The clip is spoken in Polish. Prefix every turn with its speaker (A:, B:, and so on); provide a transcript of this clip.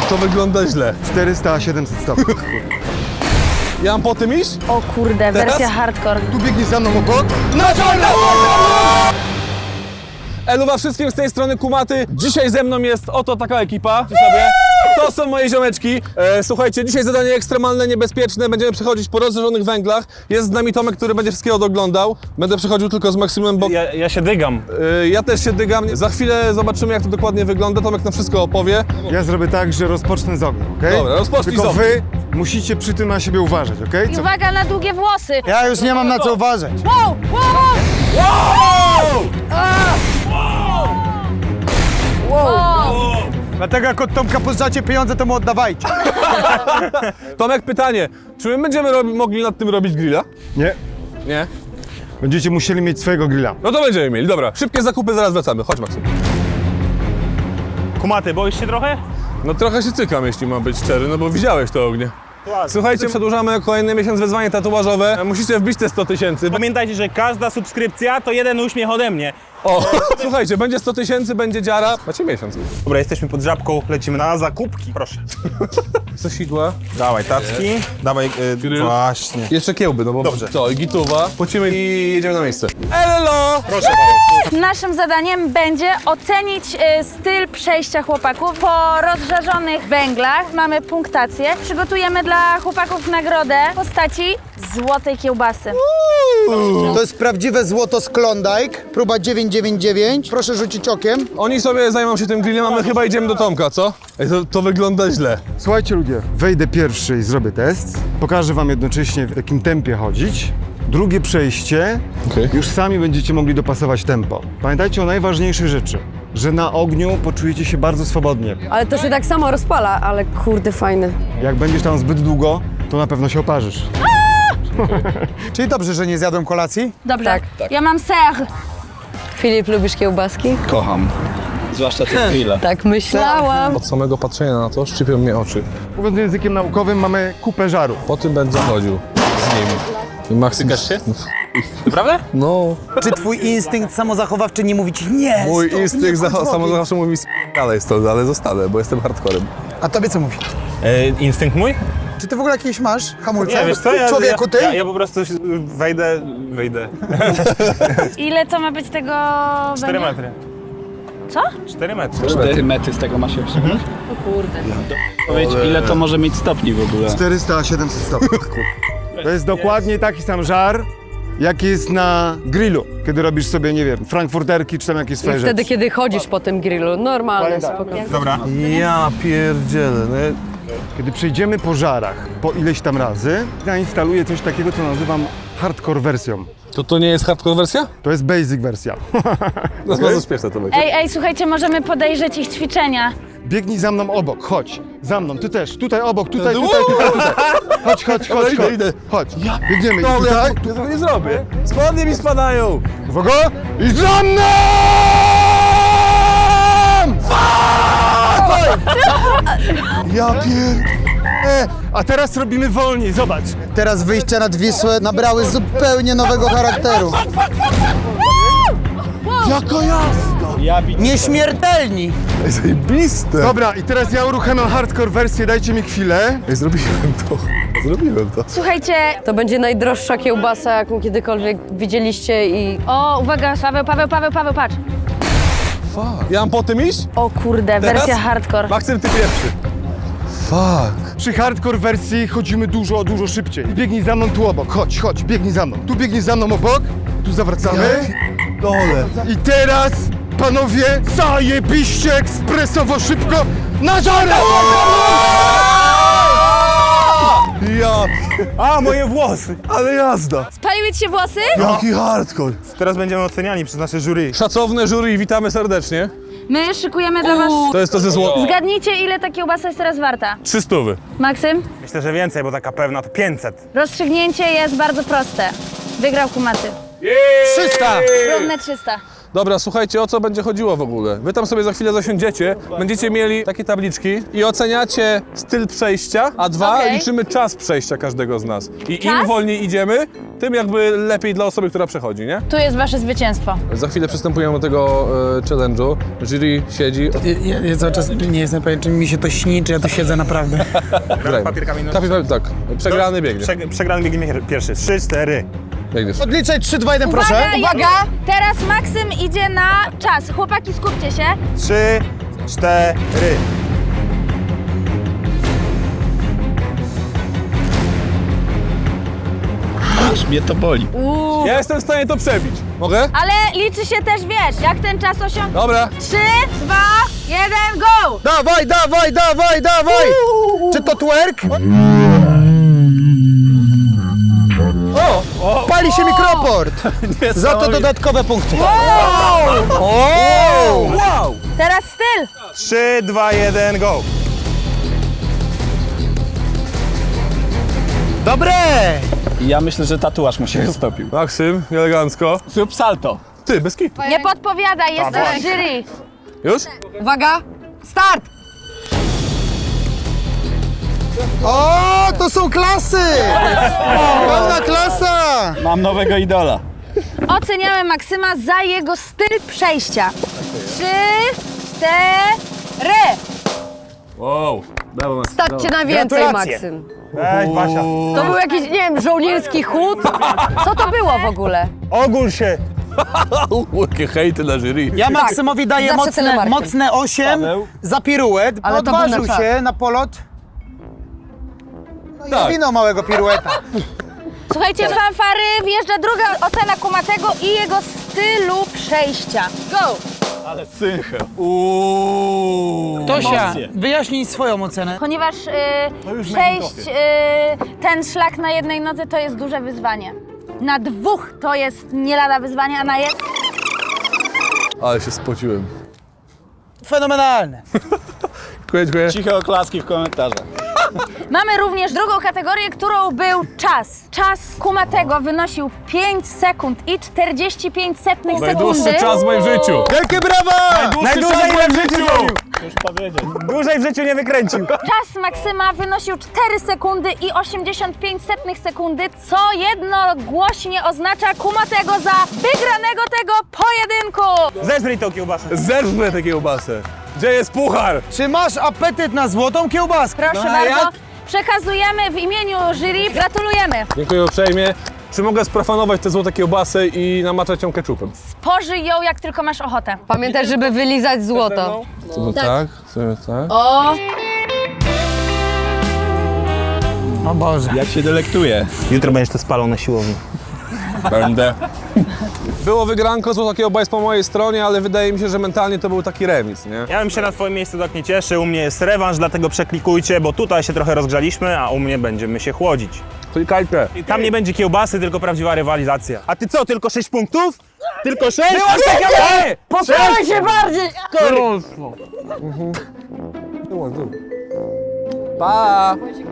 A: To wygląda źle.
B: 400-700 stopni.
A: Ja mam po tym iść?
C: O kurde, wersja hardcore.
B: Tu biegnie za mną obok. Na czarno!
A: Eluwa wszystkim z tej strony Kumaty. Dzisiaj ze mną jest oto taka ekipa. Sobie. To są moje ziomeczki. Słuchajcie, dzisiaj zadanie ekstremalne, niebezpieczne. Będziemy przechodzić po rozżarzonych węglach. Jest z nami Tomek, który będzie wszystkiego doglądał. Będę przechodził tylko z Maksymem, bo
D: Ja się dygam.
A: ja też się dygam. Za chwilę zobaczymy, jak to dokładnie wygląda. Tomek nam wszystko opowie.
B: Ja zrobię tak, że rozpocznę z ognia, okej?
A: Dobra, rozpocznij
B: Tylko
A: z ognia.
B: wy musicie przy tym na siebie uważać, okej?
C: I uwaga na długie włosy.
E: Ja już nie mam na co uważać.
C: Wow, wow, wow.
E: Dlatego jak od Tomka pożyczacie pieniądze, to mu oddawajcie.
A: Tomek, pytanie. Czy my będziemy mogli nad tym robić grilla?
B: Nie.
A: Nie?
B: Będziecie musieli mieć swojego grilla.
A: No to będziemy mieli. Dobra, szybkie zakupy, zaraz wracamy. Chodź, Maksym.
D: Kumaty, boisz się trochę?
A: No trochę się cykam, jeśli mam być szczery, no bo widziałeś to ognie. Słuchajcie, przedłużamy kolejny miesiąc wyzwanie tatuażowe. Musicie wbić te 100 000.
D: Pamiętajcie, że każda subskrypcja to jeden uśmiech ode mnie.
A: O, słuchajcie, będzie 100 000, będzie dziara. Macie miesiąc.
D: Dobra, jesteśmy pod żabką, lecimy na zakupki. Proszę.
A: Sosidła.
D: Dawaj tacki, dawaj,
A: Grill.
D: właśnie.
A: Jeszcze kiełby, no bo
D: Dobrze.
A: to i gituwa. Płacimy i jedziemy na miejsce. Elo!
D: Proszę.
C: Naszym zadaniem będzie ocenić styl przejścia chłopaków po rozżarzonych węglach. Mamy punktację. Przygotujemy dla chłopaków nagrodę w postaci złotej kiełbasy.
E: To jest prawdziwe złoto z Klondike, próba 999. Proszę rzucić okiem.
A: Oni sobie zajmą się tym grillem, a my chyba idziemy do Tomka, co? Ej, to wygląda źle.
B: Słuchajcie ludzie, wejdę pierwszy i zrobię test. Pokażę wam jednocześnie, w jakim tempie chodzić. Drugie przejście, już sami będziecie mogli dopasować tempo. Pamiętajcie o najważniejszej rzeczy, że na ogniu poczujecie się bardzo swobodnie.
F: Ale to się tak samo rozpala, ale kurde fajny.
B: Jak będziesz tam zbyt długo, to na pewno się oparzysz.
E: Czyli dobrze, że nie zjadłem kolacji?
C: Dobrze.
F: Tak.
C: Ja mam ser.
F: Filip, lubisz kiełbaski?
G: Kocham. Zwłaszcza te grille.
F: Tak myślałam.
A: Od samego patrzenia na to szczypią mnie oczy.
B: Mówiąc językiem naukowym, mamy kupę żaru.
A: Po tym będę chodził z nim. I Maksym...
D: Tykasz się? Naprawdę?
A: No.
E: Czy twój instynkt samozachowawczy nie mówi ci nie?
A: Mój
E: stop,
A: instynkt
E: nie chodź w ogień.
A: samozachowawczy mówi dalej stąd, ale zostanę, bo jestem hardcorem.
E: A tobie co mówi?
D: Instynkt mój?
E: Czy ty w ogóle jakieś masz hamulce?
D: Nie, wiesz co,
E: Człowieku, ty?
D: Ja po prostu wyjdę.
C: Ile to ma być tego
D: 4
C: węgla?
D: metry.
C: Co?
D: 4 metry.
G: 4 metry z tego ma się osiągnąć.
F: O kurde.
G: Powiedz, ile to może mieć stopni w ogóle?
B: 400-700 stopni. To jest dokładnie taki sam żar, jaki jest na grillu, kiedy robisz sobie, nie wiem, frankfurterki czy tam jakieś
F: I
B: swoje
F: wtedy,
B: rzeczy.
F: kiedy chodzisz po tym grillu, normalne,
B: Tak.
F: spokojnie.
D: Dobra.
A: Ja pierdzielę. No.
B: Kiedy przejdziemy po żarach po ileś tam razy, zainstaluję coś takiego, co nazywam hardcore wersją.
A: To nie jest hardcore wersja?
B: To jest basic wersja.
A: No bardzo śmieszne to będzie.
C: Ej, słuchajcie, możemy podejrzeć ich ćwiczenia.
B: Biegnij za mną obok, chodź. Za mną, ty też, tutaj obok, tutaj. Chodź.
A: Idę.
B: Chodź, biegniemy i
A: No,
B: tutaj.
A: ja tego nie zrobię. Spodnie mi spadają.
B: Uwaga! I za mną! Ja A teraz robimy wolniej, zobacz.
E: Teraz wyjścia nad Wisłę nabrały zupełnie nowego charakteru.
A: Jaka jazda.
E: Nieśmiertelni!
A: Ej, zajebiste.
B: Dobra, i teraz ja uruchamiam hardcore wersję, dajcie mi chwilę.
A: Ej, zrobiłem to.
C: Słuchajcie,
F: To będzie najdroższa kiełbasa, jaką kiedykolwiek widzieliście i...
C: o, uwaga, Paweł, patrz.
A: Fuck. Ja mam po tym iść?
C: O kurde,
A: Teraz?
C: wersja hardcore.
A: Maksym, ty pierwszy. Fuck.
B: Przy hardcore wersji chodzimy dużo szybciej. Biegnij za mną tu obok, chodź, biegnij za mną. Tu biegnij za mną obok, tu zawracamy.
A: Dole.
B: I teraz, panowie, zajebiście, ekspresowo, szybko, na żarę!
A: Ja.
D: A, moje włosy!
A: Ale jazda.
C: Spaliły ci się włosy?
A: Jaki hardcore.
D: Teraz będziemy oceniani przez nasze jury.
A: Szacowne jury, witamy serdecznie.
C: My szykujemy dla was...
A: To jest to ze zło...
C: Zgadnijcie, ile ta kiełbasa jest teraz warta.
A: 300.
C: Maksym?
D: Myślę, że więcej, bo taka pewna to 500.
C: Rozstrzygnięcie jest bardzo proste. Wygrał Kumaty.
E: 300!
C: Równe 300.
A: Dobra, słuchajcie, o co będzie chodziło w ogóle? Wy tam sobie za chwilę zasiądziecie, będziecie mieli takie tabliczki i oceniacie styl przejścia, a dwa,
C: Okej.
A: liczymy czas przejścia każdego z nas. I im
C: Czas?
A: wolniej idziemy, tym jakby lepiej dla osoby, która przechodzi, nie?
C: Tu jest wasze zwycięstwo.
A: Za chwilę przystępujemy do tego challenge'u. Jury siedzi.
E: Ja cały czas nie jestem pewien, czy mi się to śni, czy ja tu siedzę naprawdę.
A: Grajmy.
D: papier, kamień, nożyce.
A: Papier, tak. Przegrany biegnie.
D: Przegrany biegnie pierwszy. 3, 4.
A: Biegniesz.
E: Odliczaj 3, 2, 1, proszę.
C: Uwaga! Teraz Maksym idzie na czas. Chłopaki, skupcie się.
D: 3, 4.
G: Aż mnie to boli.
A: Ja jestem w stanie to przebić. Mogę?
C: Ale liczy się też, wiesz, jak ten czas osiągnie.
A: Dobra.
C: 3, 2, 1, go!
E: Dawaj, dawaj, dawaj, dawaj! Czy to twerk? O! Pali się mikroport! Za to dodatkowe punkty.
A: Wow!
C: Teraz styl.
D: 3, 2, 1, go!
E: Dobre!
G: I ja myślę, że tatuaż mu się roztopił.
A: Maksym, elegancko.
G: Zrób salto.
A: Ty, bez kitu.
C: Nie podpowiadaj, jesteś jury.
A: Już?
F: Uwaga, start!
E: O, to są klasy! Pełna klasa!
G: Mam nowego idola.
C: Oceniamy Maksyma za jego styl przejścia. 3, 4.
A: Wow. Brawo, Maksym.
F: Stać cię na więcej,
D: Gratulacje.
F: Maksym.
D: Weź, Basia.
F: To był jakiś, nie wiem, żołnierski chód? Co to było w ogóle?
D: Ogól się.
A: Jakie hejty na jury.
E: Ja Maksymowi daję
F: Zawsze telemarkiem.
E: mocne 8
G: Paweł?
E: za piruet, bo
F: Ale to był na
E: odważył
F: czas.
E: się na polot. No i
A: Tak.
E: zwinął małego pirueta.
C: Słuchajcie, fanfary, wjeżdża druga ocena Kumatego i jego stylu przejścia. Go!
G: Ale synchro.
E: Tosia, wyjaśnij swoją ocenę.
C: Ponieważ przejść ten szlak na jednej nodze to jest duże wyzwanie. Na dwóch to jest nie lada wyzwanie, a na jednej...
A: Ale się spociłem.
E: Fenomenalne.
A: Dziękuję.
G: Ciche oklaski w komentarzach.
C: Mamy również drugą kategorię, którą był czas. Czas Kumatego wynosił 5 sekund i 45 sekundy.
A: Najdłuższy czas w moim życiu.
E: Wielkie brawa!
D: Najdłużej ile w życiu zrobił.
G: Już powiedzieć.
D: Dłużej w życiu nie wykręcił.
C: Czas Maksyma wynosił 4 sekundy i 85 sekundy, co jednogłośnie oznacza Kumatego za wygranego tego pojedynku.
D: Zeżryj tą kiełbasę.
A: Zerwę tę kiełbasę. Gdzie jest puchar?
E: Czy masz apetyt na złotą kiełbaskę?
C: Proszę
A: No, a
C: bardzo.
A: jak?
C: Przekazujemy w imieniu jury. Gratulujemy.
A: Dziękuję uprzejmie. Czy mogę sprofanować te złote kiełbasy i namaczać ją keczupem?
C: Spożyj ją, jak tylko masz ochotę.
F: Pamiętaj, żeby wylizać złoto.
A: Sobie tak, sobie tak.
C: O!
E: O Boże.
G: Jak się delektuje.
D: Jutro będziesz to spalał na siłowni.
A: Będę. Było wygranko, złota kiełba jest po mojej stronie, ale wydaje mi się, że mentalnie to był taki remis, nie?
D: Ja bym się na twoim miejscu tak nie cieszył. U mnie jest rewanż, dlatego przeklikujcie, bo tutaj się trochę rozgrzaliśmy, a u mnie będziemy się chłodzić.
A: Klikajcie.
D: I tam nie będzie kiełbasy, tylko prawdziwa rywalizacja. A ty co, tylko 6 punktów? Tylko 6?
F: Postaraj się bardziej!
A: Pa!